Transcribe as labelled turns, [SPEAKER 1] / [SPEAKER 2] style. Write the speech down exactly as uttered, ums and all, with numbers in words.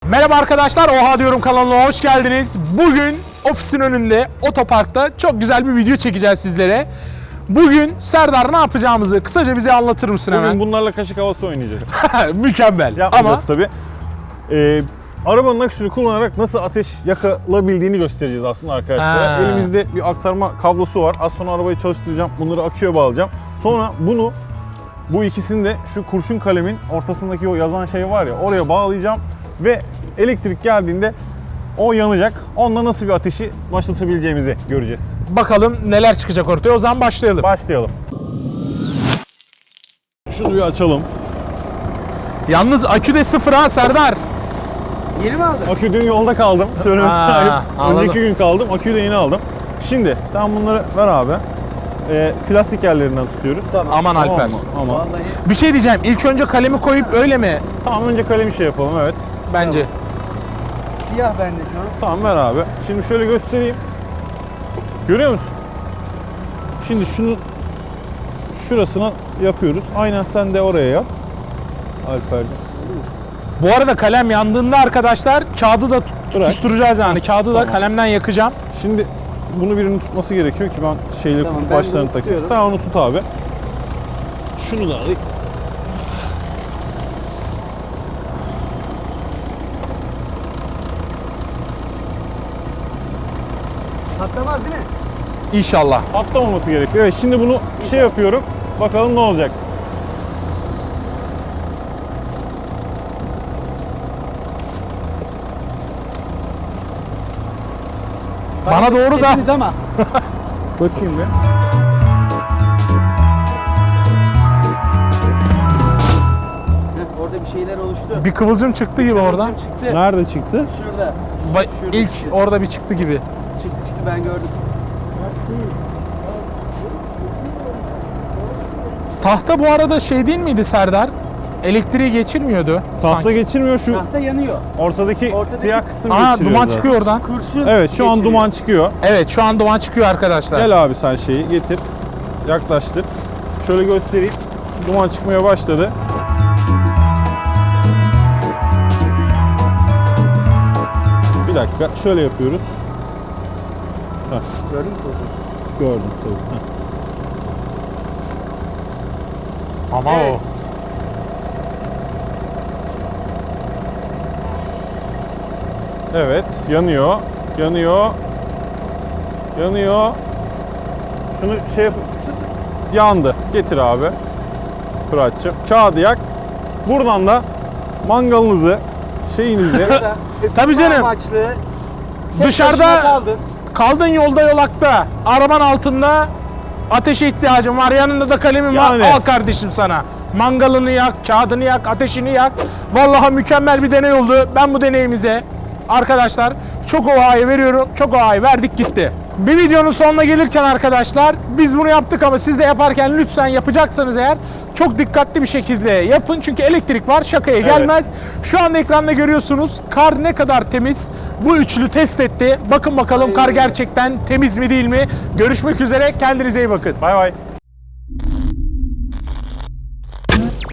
[SPEAKER 1] Merhaba arkadaşlar, Oha Diyorum kanalına hoş geldiniz. Bugün ofisin önünde, otoparkta çok güzel bir video çekeceğiz sizlere. Bugün Serdar ne yapacağımızı kısaca bize anlatır mısın hemen?
[SPEAKER 2] Bugün bunlarla kaşık havası oynayacağız.
[SPEAKER 1] Mükemmel.
[SPEAKER 2] Yapmayacağız
[SPEAKER 1] Ama
[SPEAKER 2] tabii. Ee, arabanın aküsünü kullanarak nasıl ateş yakılabildiğini göstereceğiz aslında arkadaşlar.
[SPEAKER 1] Ha.
[SPEAKER 2] Elimizde bir aktarma kablosu var. Az sonra arabayı çalıştıracağım. Bunları aküye bağlayacağım. Sonra bunu, bu ikisini de şu kurşun kalemin ortasındaki o yazan şey var ya, oraya bağlayacağım. Ve elektrik geldiğinde o yanacak. Onunla nasıl bir ateşi başlatabileceğimizi göreceğiz.
[SPEAKER 1] bakalım neler çıkacak ortaya. O zaman başlayalım.
[SPEAKER 2] Başlayalım. Şunu bir açalım.
[SPEAKER 1] Yalnız akü de sıfır ha Serdar.
[SPEAKER 3] Yeni mi aldın?
[SPEAKER 2] Akü dün yolda kaldım. Söylemesi
[SPEAKER 1] Ha,
[SPEAKER 2] ayıp.
[SPEAKER 1] anladım.
[SPEAKER 2] Önceki gün kaldım. Aküyü de yeni aldım. Şimdi sen bunları ver abi. Ee, plastik yerlerinden tutuyoruz.
[SPEAKER 3] Tamam.
[SPEAKER 1] Aman
[SPEAKER 2] Tamam
[SPEAKER 1] Alper.
[SPEAKER 2] mı? Ama
[SPEAKER 3] Vallahi
[SPEAKER 1] Bir şey diyeceğim. İlk önce kalemi koyup öyle mi?
[SPEAKER 2] tamam, önce kalemi şey yapalım, evet.
[SPEAKER 1] Bence.
[SPEAKER 3] siyah bende şu an.
[SPEAKER 2] Tamam, ver abi. Şimdi şöyle göstereyim. Görüyor musun? Şimdi şunu şurasına yapıyoruz. Aynen sen de oraya yap. Alperciğim.
[SPEAKER 1] Bu arada kalem yandığında arkadaşlar kağıdı da
[SPEAKER 2] Bırak.
[SPEAKER 1] tutuşturacağız yani. Kağıdı da
[SPEAKER 2] Tamam.
[SPEAKER 1] kalemden yakacağım.
[SPEAKER 2] Şimdi bunu birinin tutması gerekiyor ki ben şeyleri
[SPEAKER 3] Tamam,
[SPEAKER 2] tutup
[SPEAKER 3] ben
[SPEAKER 2] başlarını
[SPEAKER 3] bunu
[SPEAKER 2] takayım.
[SPEAKER 3] tutuyorum.
[SPEAKER 2] Sen onu tut abi. Şunu da alayım.
[SPEAKER 3] Patlamaz değil mi?
[SPEAKER 1] İnşallah.
[SPEAKER 2] Patlamaması gerekiyor. Evet, şimdi bunu şey yapıyorum. Bakalım ne olacak.
[SPEAKER 1] Bana doğru da.
[SPEAKER 3] İstediniz ama.
[SPEAKER 2] Bakayım bir.
[SPEAKER 3] Heh, orada bir şeyler oluştu.
[SPEAKER 1] Bir kıvılcım çıktı gibi oradan.
[SPEAKER 3] Kıvılcım çıktı.
[SPEAKER 2] Nerede çıktı?
[SPEAKER 3] Şurada.
[SPEAKER 1] Ba-
[SPEAKER 3] Şurada
[SPEAKER 1] İlk
[SPEAKER 3] çıktı.
[SPEAKER 1] orada bir çıktı gibi.
[SPEAKER 3] Çıktı çıktı ben gördüm.
[SPEAKER 1] Tahta bu arada şey değil miydi Serdar? Elektriği geçirmiyordu.
[SPEAKER 2] Tahta
[SPEAKER 1] sanki.
[SPEAKER 2] geçirmiyor, şu
[SPEAKER 3] Tahta yanıyor.
[SPEAKER 2] ortadaki,
[SPEAKER 3] Ortadaki-
[SPEAKER 2] siyah kısım
[SPEAKER 1] Aa,
[SPEAKER 2] geçiriyor
[SPEAKER 1] duman
[SPEAKER 2] zaten.
[SPEAKER 1] çıkıyor oradan.
[SPEAKER 3] Kurşun
[SPEAKER 2] Evet, şu an
[SPEAKER 3] geçiriyor.
[SPEAKER 2] duman çıkıyor.
[SPEAKER 1] Evet, şu an duman çıkıyor arkadaşlar.
[SPEAKER 2] Gel abi sen şeyi getir. Yaklaştır. Şöyle göstereyim. Duman çıkmaya başladı. Bir dakika. Şöyle yapıyoruz. Heh,
[SPEAKER 3] Gördün mü?
[SPEAKER 2] gördüm tabii. Heh.
[SPEAKER 1] Ama
[SPEAKER 3] Evet.
[SPEAKER 1] o.
[SPEAKER 2] Evet, yanıyor. Yanıyor. Yanıyor. Şunu şey yap. Yandı. Getir abi. Fırat'cığım. Kağıdı yak. Buradan da mangalınızı, şeyinizi
[SPEAKER 3] Burada ısınma
[SPEAKER 1] Tabii canım.
[SPEAKER 3] amaçlı. Tek
[SPEAKER 1] Dışarıda-
[SPEAKER 3] başına kaldın.
[SPEAKER 1] Kaldın yolda yolakta. Araban altında ateşe ihtiyacın var. Yanında da kalemin
[SPEAKER 2] Yani.
[SPEAKER 1] var. Al kardeşim sana. Mangalını yak, kağıdını yak, ateşini yak. Vallahi mükemmel bir deney oldu. Ben bu deneyimize arkadaşlar çok ovayı veriyorum. Çok ovayı verdik gitti. Bir videonun sonuna gelirken arkadaşlar biz bunu yaptık ama siz de yaparken lütfen yapacaksanız eğer çok dikkatli bir şekilde yapın. Çünkü elektrik var, şakaya
[SPEAKER 2] Evet.
[SPEAKER 1] gelmez. Şu anda ekranda görüyorsunuz kar ne kadar temiz. Bu üçlü test etti. Bakın bakalım kar gerçekten temiz mi değil mi? Görüşmek üzere. Kendinize iyi bakın.
[SPEAKER 2] bay bay.